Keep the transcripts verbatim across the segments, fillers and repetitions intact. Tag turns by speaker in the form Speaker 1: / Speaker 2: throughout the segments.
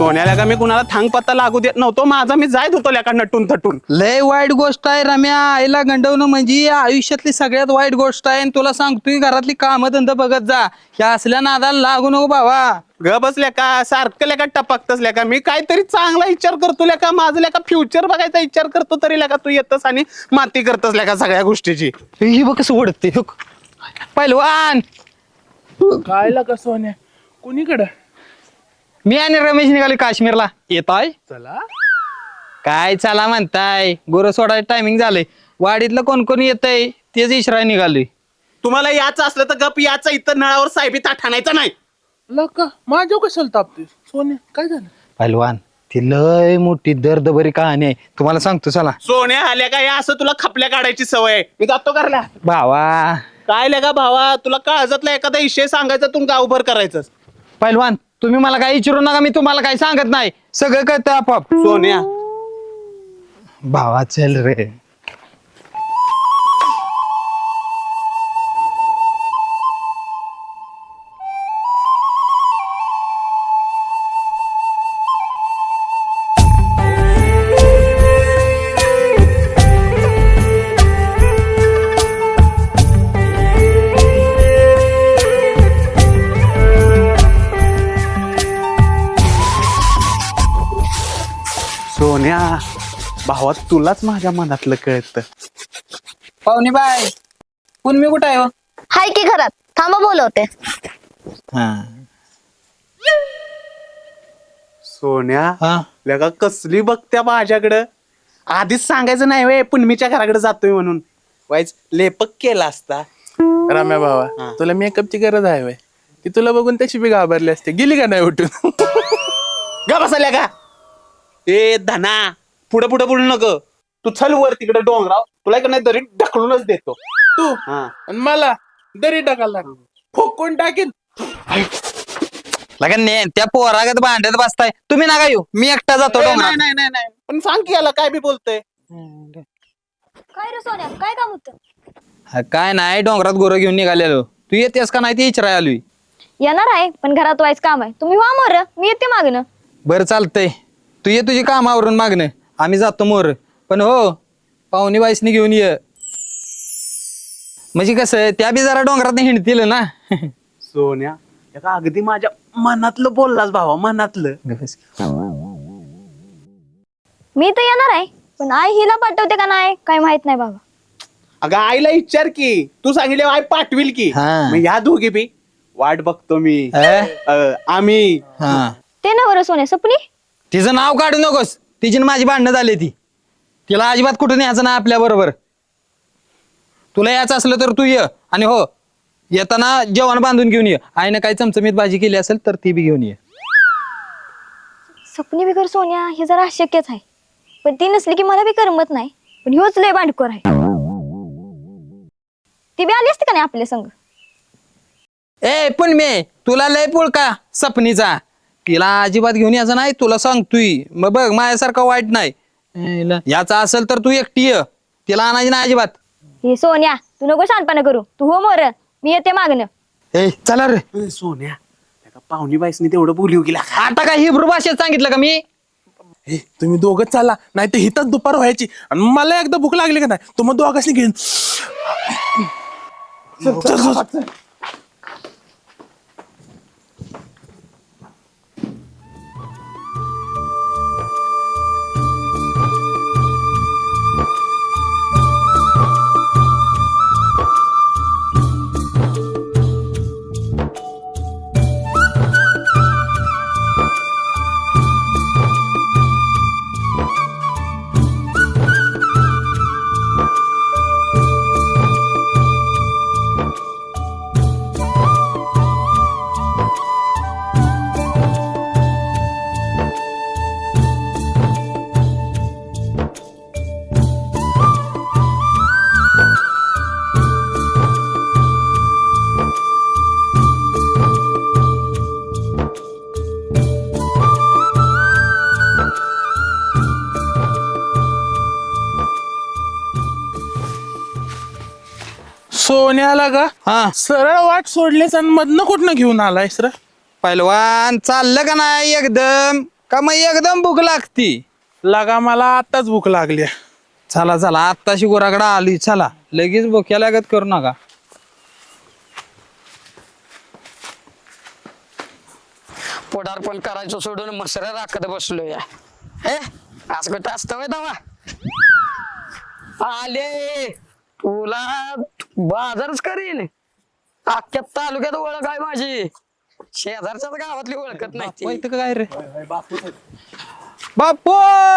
Speaker 1: सोन्याला का मी कुणाला थांग पत्ता लागू देत नव्हतो, माझा मी जायत होतो लेका नटून थटून.
Speaker 2: लय वाईट गोष्ट आहे रम्या. आईला गंडवणं म्हणजे आयुष्यातली सगळ्यात वाईट गोष्ट आहे. आणि तुला सांगतोय घरातली कामं धंदा बघत जा. ह्या असल्या नादाला लागू नको भावा.
Speaker 1: ग बसल्या का सारखं लेका टपकतच लेका. मी काहीतरी चांगला विचार करतो लेका, माझं लेका फ्युचर बघायचा विचार करतो, तरी लेका तू येतस आणि माती करतस लेका सगळ्या गोष्टीची.
Speaker 2: ही बघ कसं ओढते पहिलवान.
Speaker 3: काय का सोन्या कुणीकडं?
Speaker 2: मी आणि रमेश निघाले काश्मीरला. येताय?
Speaker 3: चला.
Speaker 2: काय चला म्हणताय, गोरं सोडायचं टायमिंग झालंय. वाडीतलं कोण कोण येतंय तेच इशरा निघालोय.
Speaker 1: तुम्हाला याचं असलं तर गप याचं, इथं नळावर साहेबी ताट आणायचं नाही.
Speaker 3: लका माझ्या कशाला तापते सोन्या? काय झालं?
Speaker 2: पहिलवान ती लय मोठी दर्दभरी कहाणी आहे, तुम्हाला सांगतो चला.
Speaker 1: सोन्या आल्या का या असं तुला खपल्या काढायची सवय आहे. मी जातो करल्या.
Speaker 2: भावा
Speaker 1: काय लेका भावा, तुला काळजातला एखादा विषय सांगायचा तू गावभर करायचं.
Speaker 2: पहिलवान तुम्ही मला काही विचारू नका, मी तुम्हाला काही सांगत नाही, सगळं कळतं आपोआप.
Speaker 1: सोन्या
Speaker 2: भावा चल रे.
Speaker 1: सोन्या भावा, तुलाच माझ्या मनातलं कळतं.
Speaker 2: पाहुणे बाय पुन्हा कुठं आहे हो?
Speaker 4: हाय की घरात, थांबा बोलवते.
Speaker 1: सोन्या
Speaker 2: हा
Speaker 1: लेका कसली बघत्या माझ्याकडं. आधीच सांगायचं नाही वे पुनमीच्या घराकडे जातोय म्हणून. वाईच लेपक केला असता.
Speaker 3: राम्या भावा तुला मेकअपची गरज आहे वय? ती तुला बघून तशी बी घाबरली असते. गेली का नाही उठून?
Speaker 1: गा बसल्या का ए धना, पुढे पुढे बोलू नको. तू चल वर तिकडे डोंगराव, तुला का नाही तरी ढकलूनच देतो.
Speaker 3: तू
Speaker 1: हा
Speaker 3: आणि मला दरी टाकायला लागली. फोकून टाकीन.
Speaker 2: लगन ने त्या पोरागत भांडत बसताय तुम्ही, नका येऊ, मी एकटा जातो
Speaker 1: ए,
Speaker 2: डोंगरात.
Speaker 1: नाही नाही नाही नाही. पण सांग की याला काय बी बोलतोय.
Speaker 4: काय रे सोन्या, काय काम होतं?
Speaker 2: हा, काय नाही डोंगरात गोरं घेऊन निघालेलो. तू येतेस का नाही ते इचराय आलोय.
Speaker 4: येणार आहे पण घरात व्हायचं काम आहे. तुम्ही वा मोर, मी येते मागणं.
Speaker 2: बरं चालतंय, तू ये तुझी कामावरून मागणं, आम्ही जातो मोर. पण हो पाहुणी बाईसनी घेऊन ये, म्हणजे कसं त्या बी जरा डोंगरात हिंडतील ना.
Speaker 1: सोन्या एका अगदी माझ्या मनातलं बोललास भावा, मनातलं.
Speaker 4: मी तर येणार आहे पण आई हिला पाठवते का नाही काय माहित नाही बाबा.
Speaker 1: अगं आईला विचार की, तू सांगितले आई पाठविल की.
Speaker 2: हा.
Speaker 1: मग ह्या दोघी बी वाट बघतो मी.
Speaker 2: अं?
Speaker 1: अं, आम्ही
Speaker 2: हा
Speaker 4: ते ना बरं सोन्या सपनी.
Speaker 2: तिचं नाव काढू नकोस, तिची न माझी भांडणं झाली ती. तिला अजिबात कुठून यायचं ना आपल्या बरोबर. तुला यायचं असलं तर तू ये, आणि हो येताना जेवण बांधून घेऊन ये. आईनं काही चमचमीत भाजी केली असेल तर ती बी घेऊन ये.
Speaker 4: सपनी बिगर सोन्या हे जरा अशक्यच आहे, पण ती नसली की मला बी करमत नाही. पण ह्योच लय भांडखोर आहे. ती बी आली असते का नाही आपल्या संग?
Speaker 2: ए पण मे तुला लय पुळका सपनीचा, तिला अजिबात घेऊन यायचं नाही, तुला सांगतोय. मग बघ माझ्यासारखं वाईट नाही. याचा असेल तर तू एकटी ये, तिला आणायची नाही अजिबात.
Speaker 4: हे सोन्या तू नको शानपणा करू, तू हो मोर, मी येते मागणं.
Speaker 2: ए चला रे.
Speaker 1: अं, सोन्या एका पाहुणी बाईसनी तेवढं बोलू गेला.
Speaker 2: आता काय हिब्रू भाषेत सांगितलं का मी?
Speaker 3: हे तुम्ही दोघं चाला, नाही तर हिथंच दुपार व्हायची. आणि मला एकदा भूक लागली का नाही तू मग दोघांनी घेऊन चल, चल, चल. सोन्याला का
Speaker 2: हा
Speaker 3: सरळ वाट सोडलेच आणि मधनं कुठनं घेऊन आलायस रे?
Speaker 2: पहिलवान चाललं का नाही एकदम? का मग एकदम भूक लागती?
Speaker 3: लगा मला आताच भूक लागली.
Speaker 2: चला चला आत्ताशी गुराकडे आली, चला लगेच भुक्या लागत करू नका.
Speaker 5: पोडारपण करायचं सोडून मसऱ्या राखत बसलो या. हे आज कुठं असतं दावा आले तुला बाजारच करीन. अख्ख्या तालुक्यात ओळख आहे माझी, शेजारच्याच गावातली ओळखत नाही ती.
Speaker 2: इथं काय रे बापू?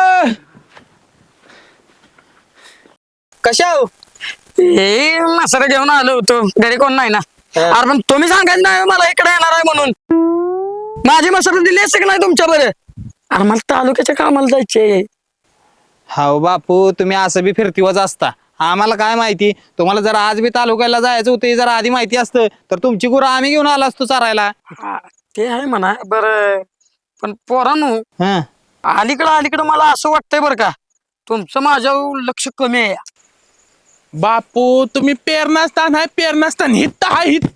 Speaker 2: कशा हो?
Speaker 5: हे मसरा घेऊन आलो होतो, घरी कोण नाही ना. अरे पण तुम्ही सांगायचं नाही मला इकडे येणार आहे म्हणून. माझी मसरा दिली असते की नाही तुमच्या बरं? अरे मला तालुक्याच्या कामाला जायचे.
Speaker 2: हाव बापू, तुम्ही असं बी फिरतीवच असता. आम्हाला काय माहिती, तुम्हाला जर आज बी तालुक्याला जायचं होतं जर आधी माहिती असतं तर तुमची गुरं आम्ही घेऊन आलो असतो चारायला.
Speaker 5: हा, ते आहे म्हणा बरं. पण पोरांनो
Speaker 2: हा
Speaker 5: अलीकडं अलीकडं मला असं वाटतंय बरं का, तुमचं माझ्यावर लक्ष कमी आहे.
Speaker 3: बापू तुम्ही पेरणास्तान आहे, पेरणास्तान हित्त हा हित्त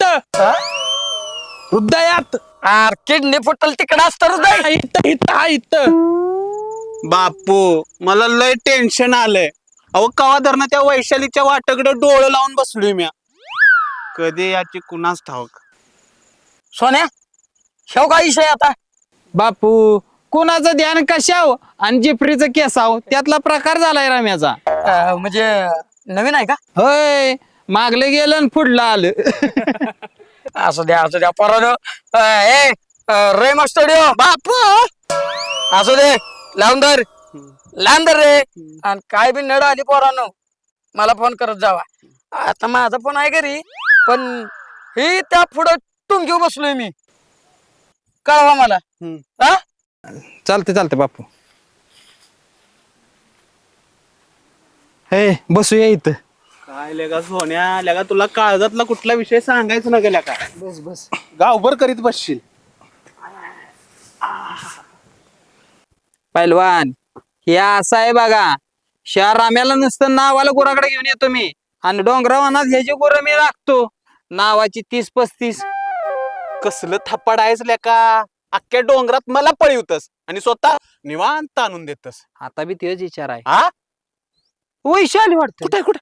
Speaker 3: हृदयात
Speaker 5: अरे किडनी फुटल तिकडं असतं रे.
Speaker 3: हित्त हित्त हा हित्त.
Speaker 1: बापू मला लय टेन्शन आलंय. अहो कवा धरणं त्या वैशालीच्या वाटाकडे डोळं लावून बसलोय मी. कधी याची कुणाच ठाऊक.
Speaker 5: सोन्या शेव काय विषय आता?
Speaker 2: बापू कुणाचं ध्यान कशाव आणि जिपरीचं केसाव त्यातला प्रकार झालाय रम्याचा.
Speaker 5: अं, म्हणजे नवीन आहे का?
Speaker 2: होय, मागलं गेलं आणि पुढलं आलं.
Speaker 5: असू द्या असू द्या पोरांनो. अं, ए अं, रे स्टुडिओ
Speaker 1: बापू
Speaker 5: असू दे, लावून धर लावून धर रे. आणि काय बी नड आली पोरांनो मला फोन करत जावा. आता माझा फोन आहे घरी, पण ही त्या पुढं तुम घेऊ बसलोय मी. कळवा मला. हा
Speaker 2: चालते चालते बापू. हे बसूया इथं.
Speaker 1: काय लेगा सोन्या, लेगा तुला काळजातला कुठला विषय सांगायचं ना गेल्या का? बस बस गावभर करीत बसशील.
Speaker 2: पैलवान हे असं आहे बघा, शहर राम्याला नसतं नावाला गुराकडे घेऊन येतो मी आणि डोंगरावानात ह्याची गुरं मी राखतो नावाची तीस पस्तीस.
Speaker 1: कसलं थप्पड आहेस लेका, अख्ख्या डोंगरात मला पळवतस आणि स्वतः निवांत आणून देतस.
Speaker 2: आता बी तेच विचार आहे.
Speaker 1: हा
Speaker 2: वैशाली वाटत
Speaker 1: कुठे कुठे?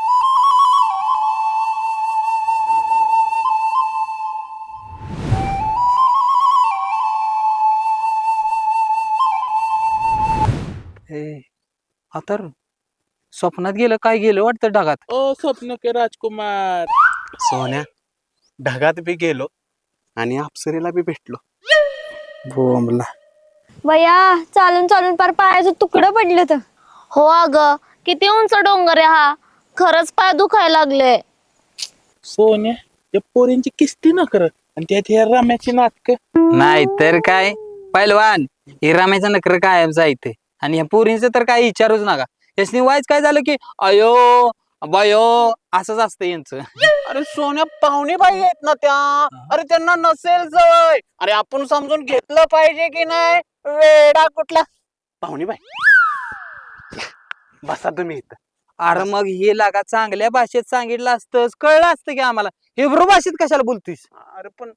Speaker 2: आता स्वप्नात गेलं काय गेलं वाटतं ढगात.
Speaker 3: ओ स्वप्न के राजकुमार.
Speaker 1: सोन्या ढगात बी गेलो आणि अप्सरेला बी भेटलो.
Speaker 2: बोंबला
Speaker 4: बया चालून चालून पार पायाचं तुकडं पडलं तर.
Speaker 6: हो अग किती उंच डोंगर आहे हा, खरंच पाय दुखायला लागले.
Speaker 3: सोन्या या पोरींची किस्ती न कर आणि त्यात ह्या रम्याची नाटक.
Speaker 2: नाही तर काय पैलवान, हे रामायचं नकर कायमच आहे इथे. आणि ह्या पोरींचं तर काही विचारूच नका. यासनी वाईच काय झालं की अयो बयो असंच असतं यांचं.
Speaker 1: अरे सोन्या पाहुणे बाई आहेत ना त्या. अरे त्यांना नसेल सवय. अरे आपण समजून घेतलं पाहिजे की नाही. वेडा कुठला पाहुणे बाई. बसा तुम्ही इथं.
Speaker 2: अरे मग हे लागा चांगल्या भाषेत सांगितलं असतं कळलं असतं की आम्हाला. हिब्रू भाषेत कशाला बोलतोयस?
Speaker 1: अरे पण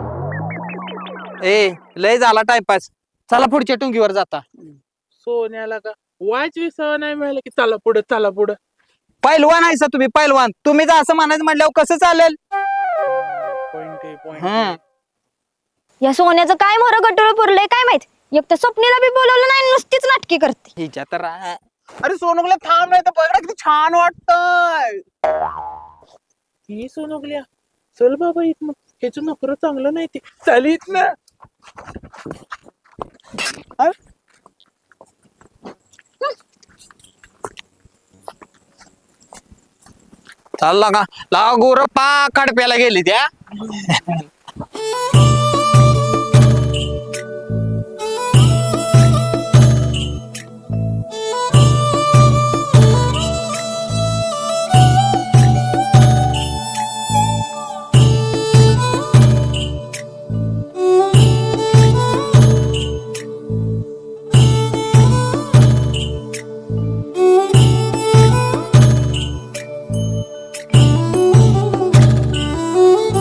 Speaker 2: ए लय झाला टाइमपास, चला पुढच्या टुंगीवर जाता.
Speaker 3: सोन्याला का वायच विसावा नाही मिळाला की चला पुढं चला पुढं.
Speaker 2: पैलवान आहे तुम्ही पैलवान, तुम्ही जर असं म्हणायचं म्हटल्यावर कसं चालेल?
Speaker 3: पॉइंट आहे पॉइंट.
Speaker 2: हं.
Speaker 4: या सोन्याचं काय मोर गटोळ पुरलंय काय माहित. एक तर स्वप्नीला बी बोलवलं नाही, नुसतीच नाटकी करते.
Speaker 2: हिच्या तर आ-
Speaker 1: अरे सोनुगला थांब नाही तर बघा किती छान वाटतंय.
Speaker 3: ही सोनगल्या चल बाबा इथं, ह्याच नखरं चांगलं नाही ते. चल इथं.
Speaker 2: चालला का लावा गोर पा कडप्याला गेली त्या.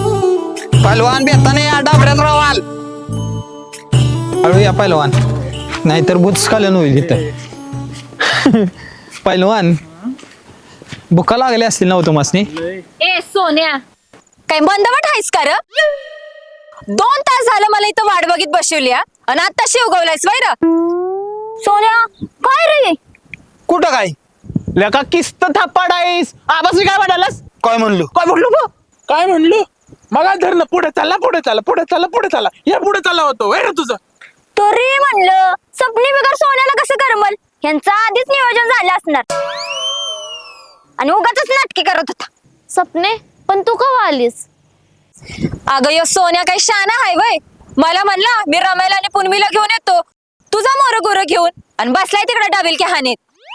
Speaker 2: पैलवान बेताने या डाबड्यात रावाल. हळू या पैलवान. नाहीतर भूतस्खलन होईल इथं. पहिलवान भुका लागली असतील ना हो तुम्हासनी.
Speaker 6: ए सोन्या,
Speaker 4: काय बंदवट आहेस का र? दोन तास झालं मला इथं वाट बघित बसवली हा. आणि आता शिवगवलायस वैर. सोन्या काय रे?
Speaker 2: कुठं काय
Speaker 1: लेका किस्त थापाड आहेस. आबास काय म्हणालास?
Speaker 2: काय म्हणलो?
Speaker 1: काय बोललो बा?
Speaker 3: काय म्हणलो मग धरणं पुढे चालला पुढे चालला पुढे चालला पुढे चालला या पुढे चालला होतो वैर तुझं.
Speaker 4: तरी म्हणलं सपनी बिगर सोन्याला कसं करमल? यांचं आधीच नियोजन झालं असणार आणि उगाच नाटकी करत होता.
Speaker 6: सपने पण तू कवा आलीस?
Speaker 4: अगं यो सोन्या काही शाना हाय वय. मला म्हणला मी रमायला आणि पुनमीला घेऊन येतो, तुझा मोर गोर घेऊन, आणि बसलाय तिकडे डाबिल के हानीत.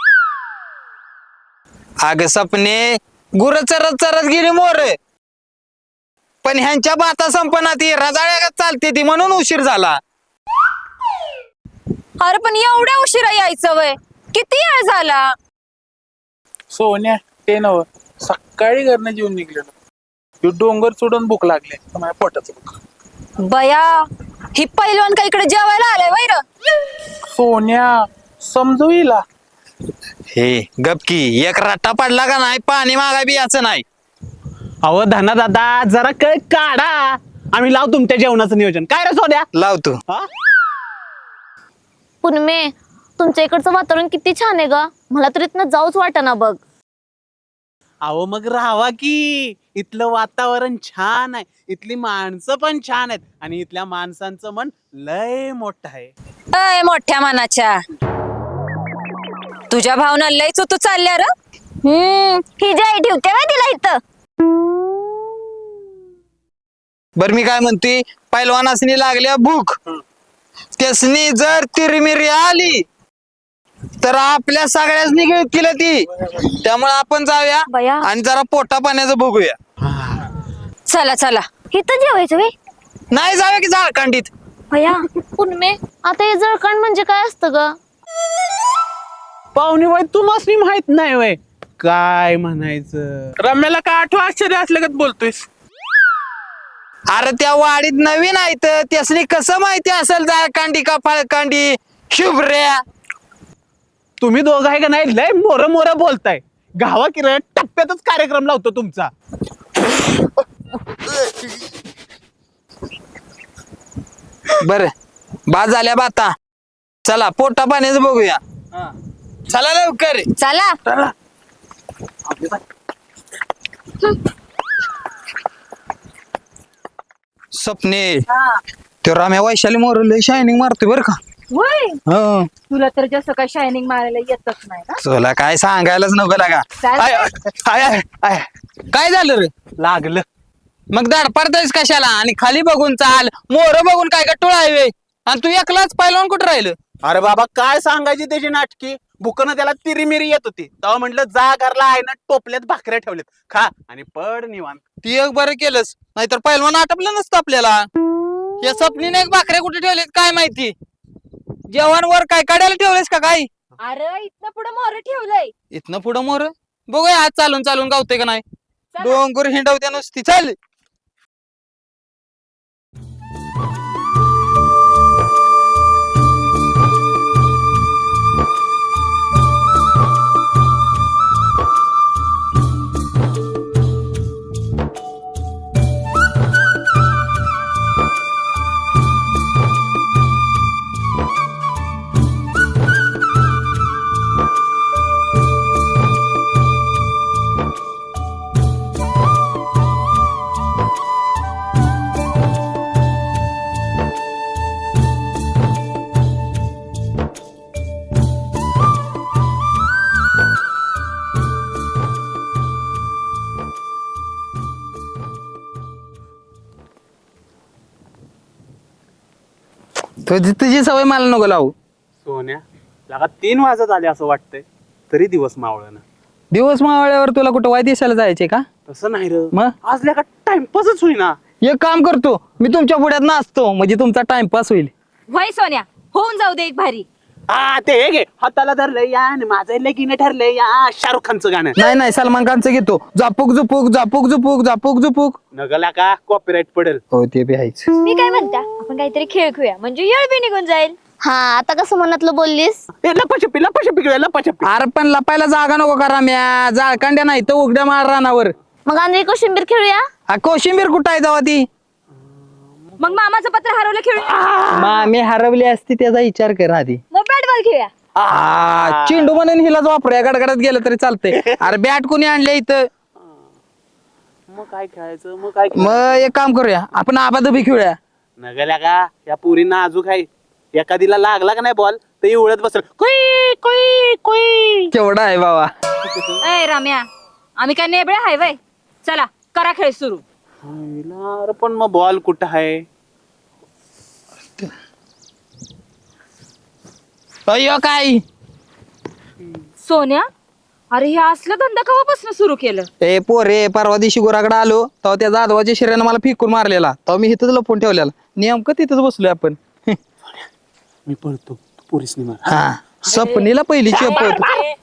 Speaker 2: अग सपने गुर चरत चरत गेली मोर, पण ह्यांच्या बाता संपना ती रजाळ्या चालते ती म्हणून उशीर झाला.
Speaker 4: अरे पण एवढ्या उशिरा यायचं वय? किती वेळ झाला?
Speaker 3: सोन्या ते नव सकाळी घरनं जेवून निघलेलो. ह्यो डोंगर सोडून भूक लागले माझ्या पोटाचं भूक.
Speaker 4: बया ही पहिलवान का इकडे जेवायला आलाय वैर?
Speaker 3: सोन्या समजू हिला.
Speaker 2: हे गपकी एक रट्टा पडला का नाही पाणी मागा बी याचं नाही.
Speaker 1: अहो धना दादा जरा कळ काढा. आम्ही लाव तुमच्या जेवणाचं नियोजन. काय रे सोन्या?
Speaker 2: लावतो.
Speaker 1: हा?
Speaker 6: पुनमे, तुमच्या इकडचं वातावरण किती छान आहे ग. मला तर इथनं जाऊच वाटेना बघ.
Speaker 1: अहो मग राहावा की. इथलं वातावरण छान आहे, इथली माणसं पण छान आहेत, आणि इथल्या माणसांचं मन लय मोठं आहे.
Speaker 4: अय मोठ्या मनाच्या, तुझ्या भावना लय चुतू चालल्या र. हम्म ही जाई ठेवते बाय तिला इथं.
Speaker 2: बर मी काय म्हणते, पैलवानासनी लागल्या भूक, त्यासनी जर तिरमिरी आली तर आपल्या सगळ्यासनी केलं ती. त्यामुळे आपण जाऊया
Speaker 4: बया.
Speaker 2: आणि जरा पोटा पाण्याचं बघूया.
Speaker 4: चला चला इथं जेवायचं वे.
Speaker 2: नाही जाऊया की झाळखंडीत.
Speaker 4: भया
Speaker 6: पुनमे, आता हे जळकण म्हणजे काय असतं ग?
Speaker 1: पाहुणे बाई तुम्हाला माहित नाही वय काय म्हणायचं?
Speaker 3: रम्याला काय आठवं आश्चर्य असल्यागत बोलतोयस.
Speaker 2: अरे त्या वाडीत नवीन आहे तर त्यासनी कसं माहिती असेल झाळखंडी का फळखंडी शुभ्र्या.
Speaker 1: तुम्ही दोघं आहे का नाही लय मोर मोर बोलताय. गावा की रे टप्प्यातच कार्यक्रम लावतो तुमचा.
Speaker 2: बर बाद झाल्या बाता, चला पोटा पाण्याचं बघूया. चला लवकर.
Speaker 4: चला.
Speaker 2: स्वप्ने तो राम्या वैशाली मोर लय शायनिंग मारतोय बर का.
Speaker 7: होय,
Speaker 2: हो
Speaker 7: तुला तर जास्त काय शायनिंग मारायला येतच नाही ना.
Speaker 2: तुला काय सांगायलाच नको लागा.
Speaker 7: चाल.
Speaker 1: आय, आय, आय, आय.
Speaker 2: काय झालं रे?
Speaker 1: लागलं.
Speaker 2: मग दाड पडतायस कशाला? आणि खाली बघून चाल, मोर बघून काय का टोळा आहे. आणि तू एकलाच पहिलवान कुठं राहिलं?
Speaker 1: अरे बाबा काय सांगायची त्याची नाटकी. भुकनं त्याला तिरीमिरी येत होती, तेव्हा म्हटलं जा घरला आहे ना टोपल्यात भाकऱ्या ठेवल्यात, खा आणि पड निवांत.
Speaker 2: ती एक बरं केलंस, नाहीतर पहिलवान आटपलं नसतं आपल्याला. या स्वप्नीने एक भाकऱ्या कुठे ठेवलेत काय माहिती. जेवण वर काय काढायला ठेवलेस का काय?
Speaker 7: अरे इथनं पुढे मोर ठेवलंय.
Speaker 2: इथनं पुढं मोर बघूया आज चालून चालून गावते का नाही. डोंगर हिंडवत्या नुसती. चल तुझी तुझी सवय मला नको लावू.
Speaker 1: सोन्या लागा तीन वाजत आले असं वाटतंय, तरी दिवस मावळ ना.
Speaker 2: दिवस मावळ्यावर तुला कुठं वाय दिसायला जायचे का?
Speaker 1: तसं नाही र,
Speaker 2: मग
Speaker 1: आज लेका टाइमपासच होईना.
Speaker 2: एक काम करतो, मी तुमच्या पुढ्यात नाचतो म्हणजे तुमचा टाइमपास होईल.
Speaker 7: होय सोन्या, होऊन जाऊ दे एक भारी.
Speaker 1: हा ते हे घे, हाताला धरलंय या आणि माझं लगीन ठरलंय या शाहरुख खानचं गाणं.
Speaker 2: नाही नाही सलमान खानचं घेतो. झापूक झुपूक झापूक झुपूक झापूक झुपूक.
Speaker 1: नगला का कॉपीराईट पडेल.
Speaker 2: हो ते बी आहेच.
Speaker 4: मी काय म्हणता, आपण काहीतरी खेळ खेळूया म्हणजे येळ बी निघून जाईल.
Speaker 6: हा आता कसं मनातलं बोललीस?
Speaker 1: ए लपाछपी लपाछपी खेळूया लपाछपी.
Speaker 2: अरे पण लपायला जागा नको करा म्या जाळकांड्या नाही तर उघड्या मार रानावर.
Speaker 6: मग आंधळी कोशिंबीर खेळूया.
Speaker 2: हा कोशिंबीर कुठं आहे तेव्हा ती?
Speaker 7: मग मामाचं पत्र हरवलं खेळूया.
Speaker 2: मामी हरवली असती त्याचा विचार कर आधी.
Speaker 7: मग बॅट बॉल खेळूया.
Speaker 2: आ, चेंडू म्हणून हिलाच वापरूया गडगडात गेलं तरी चालतंय. अरे बॅट कोणी आणले इथं?
Speaker 1: मग काय खेळायचं मग काय
Speaker 2: मग एक काम करूया आपण आबाधबी खेळूया.
Speaker 1: नगल्या का या पुरींना अजून आहे. एखादीला लागला का नाही बॉल तर एवढत बसल कुई कुई कुई.
Speaker 2: केवढा आहे बाबा.
Speaker 7: ए राम्या आम्ही काय नेबळे हाय वय. चला करा खेळ सुरू.
Speaker 1: हायला, अरे पण मग बॉल कुठं आहे?
Speaker 2: अय्यो काय
Speaker 7: सोन्या अरे हे असलं धंदा कवापासून सुरू केलं?
Speaker 2: ए पोरे परवा दिवशी गोराकडे आलो तेव्हा त्या जाधवाच्या शिऱ्यानं मला फिकून मारलेला तेव्हा मी इथंच लपून ठेवलेला नेमकं तिथंच बसलोय आपण.
Speaker 1: मी पळतो तू पोरीसनी मार.
Speaker 2: हा सपनीला पहिली चेपत.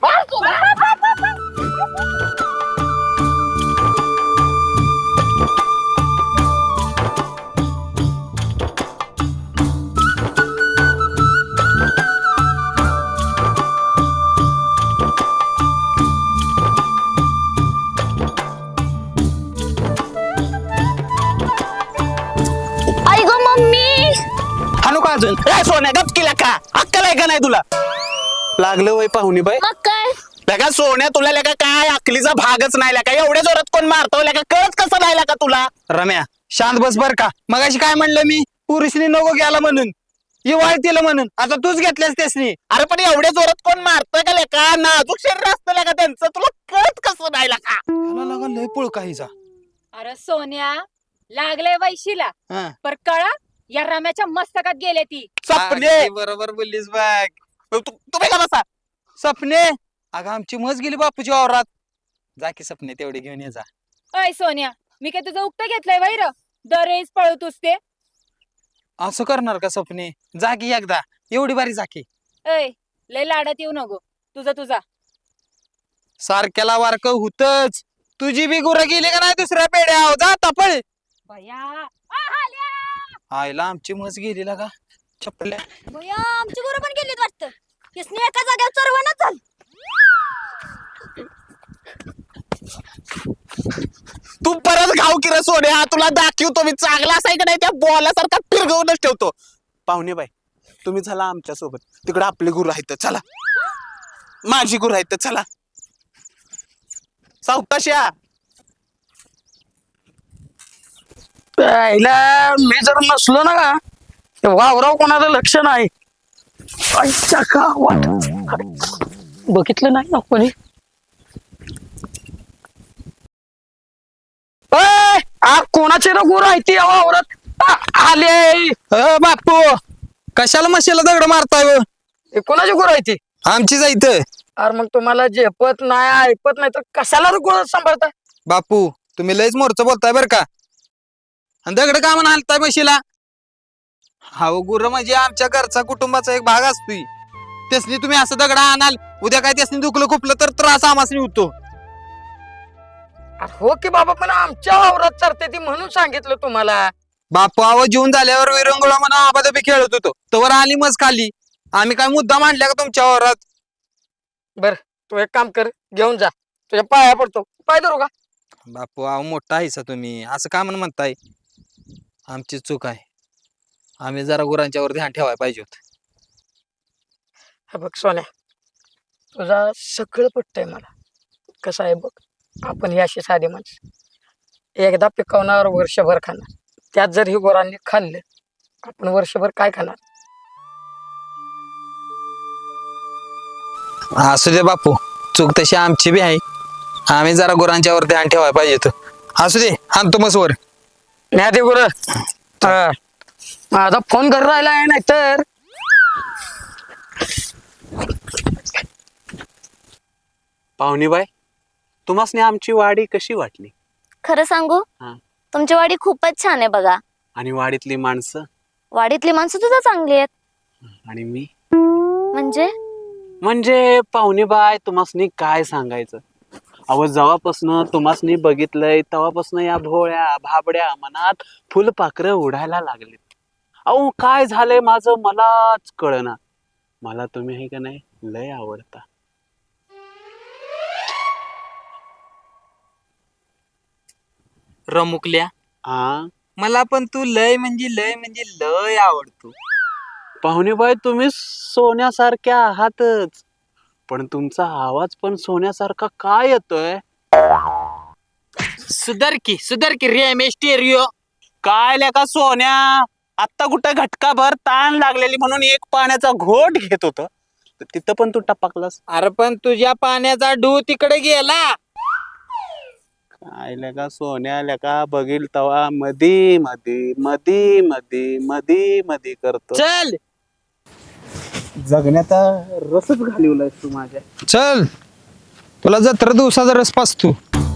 Speaker 6: आई गो मम्मी.
Speaker 1: हाणू का अजून? काय सोन्या गप केला का? अक्कल आहे का नाही तुला? लागलं वय पाहुणी बाई.
Speaker 6: मग काय?
Speaker 1: लगा सोन्या तुला लगा काय अकलीचा भागच नाही लगा. एवढ्या जोरात कोण मारतो लगा कळत कसं नाही लगा तुला?
Speaker 2: रम्या शांत बस बर का. मगाशी काय म्हणलं मी पुरुषनी नको घ्यायला म्हणून इवाळ तिला म्हणून आता तूच घेतल्यास त्यासनी.
Speaker 1: अरे पण एवढ्या जोरात कोण मारतोय का लेका? नाजूक शरीर असतं लगा त्यांचं. तुला कळत कसं नाही लगा?
Speaker 2: लगा लय पुळ काहीचा.
Speaker 7: अरे सोन्या लागलंय वैशीला
Speaker 2: हा.
Speaker 7: पर कळा या राम्याच्या मस्तकात गेले ती.
Speaker 1: सपने
Speaker 2: अगदी बरोबर बोललीस बघ.
Speaker 1: तू- तुम्ही का बसा?
Speaker 2: सपने अगं आमची मज गेली बापूच्या वावरात. जा की सपने तेवढे घेऊन ये जा.
Speaker 7: अय सोन्या मी काय तुझं उक्त घेतलंय वैर दरवेळेस पळतोस ते.
Speaker 2: असं करणार का सपने? जा की एकदा एवढी बारी जा की.
Speaker 7: अय लय लाडात येऊ नको. तुझा तुझा
Speaker 2: सारख्याला वारक होतच. तुझी बी गुरं गेली का नाही दुसऱ्या पेड्या जा तपळ.
Speaker 7: भया आ, हाल्या!
Speaker 2: आईला आमची मज गेली का चपल्या.
Speaker 4: भैया आमची गुरु पण गेलीत वाटतं. इसने एका जागेवर चरवणच झालं.
Speaker 1: तू परत घाव की रे सोन्या. तुला दाखवतो मी चांगला असाय का नाही त्या बॉलासारखा फिरगवूनच ठेवतो. पाहुणे बाई तुम्ही चला आमच्या सोबत. तिकडे आपले गुरु आहेत चला. माझी गुरु आहेत चला. सावकाशया.
Speaker 5: पहिला मी जर नसलो ना का ते वावराव कोणाचं लक्ष नाही. आईच्या गावात बघितलं नाही ना कोणी. ए, आ कोणाचे ना गुरु आहे ती या वावरात? आ, आले.
Speaker 2: अ बापू कशाला मशीला दगड मारताय व?
Speaker 5: हे कोणाची गुरु आहे ती?
Speaker 2: आमचीच आहे इथं.
Speaker 5: अरे मग तुम्हाला झेपत नाही ऐकत नाही तर कशाला गुरु सांभाळताय?
Speaker 2: बापू तुम्ही लयच मोरचं बोलताय बर का. आणि दगड का म्हणून हालताय म्हशीला? हा गुरु म्हणजे आमच्या घरचा कुटुंबाचा एक भाग असतोय. त्यासनी तुम्ही असं दगड आणाल उद्या काय त्यासनी दुखलं खुपलं तर त्रास आमासनी होतो.
Speaker 5: अरे हो की बाबा पण आमच्या वावरात चरते ती म्हणून सांगितलं तुम्हाला.
Speaker 2: बापू आव जेवून झाल्यावर विरंगुळा म्हणून आबादबी खेळत होतो तवर आली मज खाली. आम्ही काय मुद्दा मांडल्या का तुमच्या वावरात?
Speaker 5: बर तू एक काम कर घेऊन जा तुझ्या पाया पडतो. पाय धरू का?
Speaker 2: बापू आव मोठा आहेसा तुम्ही असं का म्हणून म्हणताय? आमची चूक आहे. आम्ही जरा गुरांच्यावर ध्यान ठेवायला पाहिजे होत.
Speaker 5: हे बघ सोन्या तुझा सगळं पटतंय मला. कसं आहे बघ आपण ही अशी साधी माणसं एकदा पिकवणार वर्षभर खाणार. त्यात जर ही गुरांनी खाल्लं आपण वर्षभर काय खाणार?
Speaker 2: असू दे बापू चूक तशी आमची बी आहे. आम्ही जरा गुरांच्यावर ध्यान ठेवायला पाहिजे होत. असू दे आणतो मसवर.
Speaker 5: नाही ते गुर माझा फोन घर राहिला आहे नाही तर.
Speaker 1: पाहुणे बाई तुम्हासनी आमची वाडी कशी वाटली?
Speaker 6: खरं सांगू
Speaker 1: हा.
Speaker 6: तुमची वाडी खूपच छान आहे बघा.
Speaker 1: आणि वाडीतली माणसं
Speaker 6: वाडीतली माणसं सुद्धा चांगली आहेत.
Speaker 1: आणि मी
Speaker 6: म्हणजे
Speaker 1: म्हणजे पाहुणे बाय तुम्हासनी काय सांगायचं. अहो जेव्हापासनं तुम्हासनी बघितलंय तेव्हापासनं या भोळ्या भाबड्या मनात फुलपाखरं उडायला लागलीत. अहो काय झालंय माझं मलाच कळना. मला तुम्ही आहे का नाही लय आवडता.
Speaker 2: रमुकल्या
Speaker 1: हा
Speaker 2: मला पण तू लय म्हणजे लय म्हणजे लय आवडतो.
Speaker 1: पाहुणेबाई तुम्ही सोन्यासारख्या आहातच, पण तुमचा आवाज पण सोन्यासारखा काय येतोय?
Speaker 2: सुधर की सुधर की रे स्टेरिओ.
Speaker 1: काय लेका सोन्या, आत्ता कुठं घटकाभर ताण लागलेली म्हणून एक पाण्याचा घोट घेत होतो, तर तिथं पण तू टपकलास.
Speaker 2: अरे पण तुझ्या पाण्याचा डू तिकडे गेला.
Speaker 1: काय लेका सोन्या लेका बघील तवा मधी मधी मधी मधी मधी मधी करतो.
Speaker 2: चल
Speaker 1: जगण्याचा रसच घालवलाय तू माझ्या.
Speaker 2: चल तुला जत्रा दिवसाचा रस पाचतो.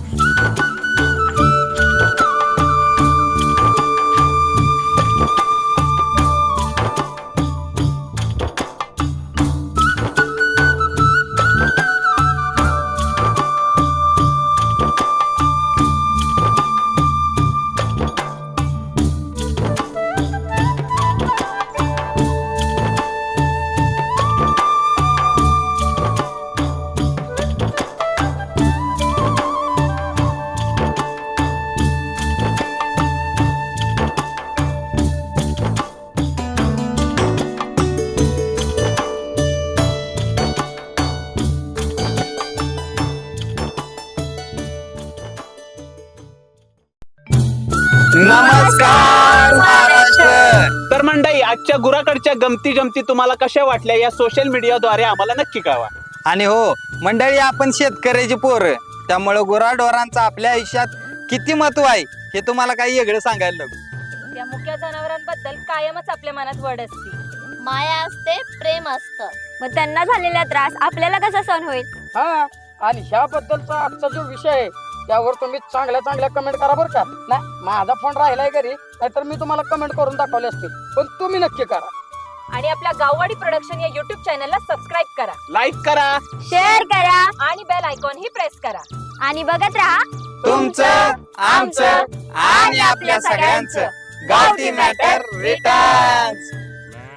Speaker 1: नमस्कार महाराष्ट्र. तर मंडळी, आजच्या गुराकडच्या गमती जमती तुम्हाला कशा वाटल्या या सोशल मीडियाद्वारे आम्हाला नक्की कळवा.
Speaker 2: आणि हो मंडळी, आपण शेतकऱ्याची पोरं, त्यामुळे गुराढोरांचं आपल्या आयुष्यात किती महत्व आहे हे तुम्हाला काही वेगळं सांगायला नको.
Speaker 7: त्या मुक्या जनावरांबद्दल कायमच आपल्या मनात वड असते.
Speaker 6: माया असते, प्रेम असतं.
Speaker 4: मग त्यांना झालेला त्रास आपल्याला कसा सहन होईल?
Speaker 5: हा आणि ह्याबद्दलचा आजचा जो विषय आहे त्यावर तुम्ही चांगल्या चांगल्या कमेंट करा बरं का. नाही माझा फोन राहिलाय घरी, नाहीतर मी तुम्हाला कमेंट करून दाखवले असते, पण तुम्ही नक्की करा.
Speaker 7: आणि आपल्या गाववाडी प्रोडक्शन या युट्यूब चॅनलला सबस्क्राईब करा,
Speaker 1: लाईक करा,
Speaker 4: शेअर करा
Speaker 7: आणि बेल आयकॉन ही प्रेस करा.
Speaker 4: आणि बघत राहा
Speaker 2: तुमचं, आमचं आणि आपल्या सगळ्यांचं गावठी मॅटर रिटर्न्स.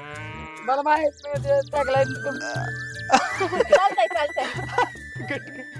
Speaker 5: मला माहित नाही ते टॅगलाईन
Speaker 7: चालतंय चालतंय.